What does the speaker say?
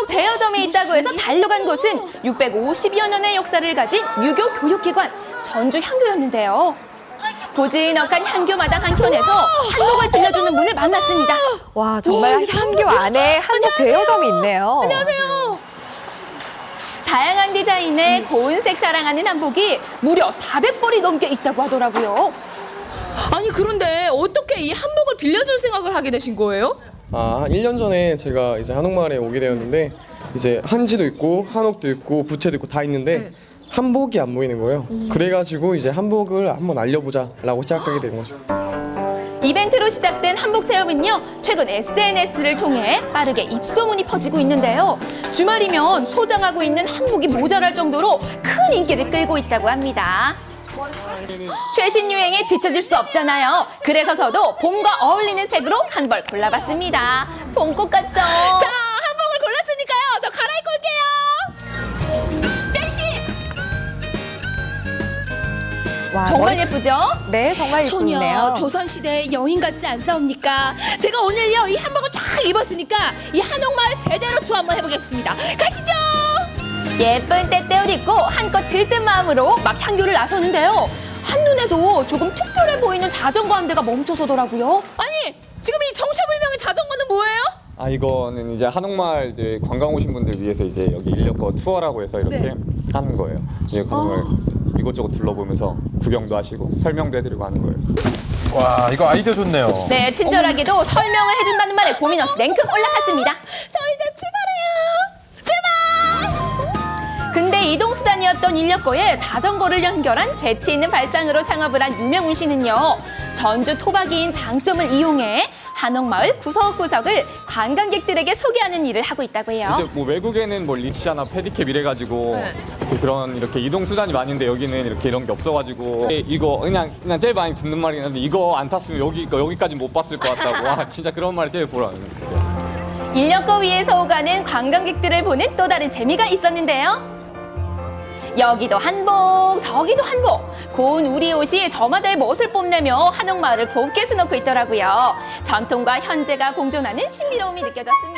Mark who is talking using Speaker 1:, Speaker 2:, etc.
Speaker 1: 한복 대여점이 있다고 해서 달려간 곳은 650여 년의 역사를 가진 유교 교육기관 전주 향교였는데요. 고즈넉한 향교 마당 한켠에서 한복을 빌려주는 분을 만났습니다.
Speaker 2: 와, 정말 향교 안에 한복 대여점이 있네요.
Speaker 1: 안녕하세요. 다양한 디자인의 고운색 자랑하는 한복이 무려 400벌이 넘게 있다고 하더라고요.
Speaker 3: 아니 그런데 어떻게 이 한복을 빌려줄 생각을 하게 되신 거예요?
Speaker 4: 한 1년 전에 제가 이제 한옥마을에 오게 되었는데 이제 한지도 있고 한옥도 있고 부채도 있고 다 있는데 한복이 안 보이는 거예요. 그래가지고 이제 한복을 한번 알려보자라고 시작하게 된 거죠.
Speaker 1: 이벤트로 시작된 한복 체험은요, 최근 SNS를 통해 빠르게 입소문이 퍼지고 있는데요. 주말이면 소장하고 있는 한복이 모자랄 정도로 큰 인기를 끌고 있다고 합니다. 최신 유행에 뒤처질 수 없잖아요. 그래서 저도 봄과 어울리는 색으로 한 벌 골라봤습니다. 봄꽃 같죠?
Speaker 3: 자, 한복을 골랐으니까요. 저 갈아입고 올게요. 변신!
Speaker 2: 와,
Speaker 1: 정말 예쁘죠?
Speaker 2: 네, 정말
Speaker 3: 소녀,
Speaker 2: 예쁘네요.
Speaker 3: 조선시대 여인 같지 않사옵니까? 제가 오늘요 이 한복을 쫙 입었으니까 이 한옥마을 제대로 투어 한번 해보겠습니다. 가시죠.
Speaker 1: 예쁜 떼떼옷 입고 한껏 들뜬 마음으로 막 향교를 나서는데요. 한눈에도 조금 특별해 보이는 자전거 한 대가 멈춰서더라고요.
Speaker 3: 아니 지금 이 정체불명의 자전거는 뭐예요?
Speaker 5: 이거는 이제 한옥마을 이제 관광 오신 분들 위해서 이제 여기 인력거 투어라고 해서 이렇게 하는 거예요. 예, 그걸 이곳저곳 둘러보면서 구경도 하시고 설명도 해드리고 하는 거예요.
Speaker 6: 와, 이거 아이디어 좋네요.
Speaker 1: 네, 친절하게도 설명을 해준다는 말에 고민 없이 냉큼 올라탔습니다.
Speaker 3: 저 이제 출발해요. 출발!
Speaker 1: 근데 이동수단이었던 인력거에 자전거를 연결한 재치 있는 발상으로 창업을 한 유명훈 씨는요. 전주 토박이인 장점을 이용해 한옥마을 구석구석을 관광객들에게 소개하는 일을 하고 있다고 해요.
Speaker 5: 이제 뭐 외국에는 뭐 릭샤나 페디캡 이래가지고 그런 이렇게 이동 수단이 많은데 여기는 이렇게 이런 게 없어가지고 이거 그냥 제일 많이 듣는 말이긴 한데 이거 안 탔으면 여기까지 못 봤을 것 같다고. 와, 진짜 그런 말이 제일 보라는 거예요.
Speaker 1: 인력거 위에서 오가는 관광객들을 보는 또 다른 재미가 있었는데요. 여기도 한복, 저기도 한복. 고운 우리 옷이 저마다의 멋을 뽐내며 한옥마을을 곱게 수놓고 있더라고요. 전통과 현재가 공존하는 신비로움이 느껴졌습니다.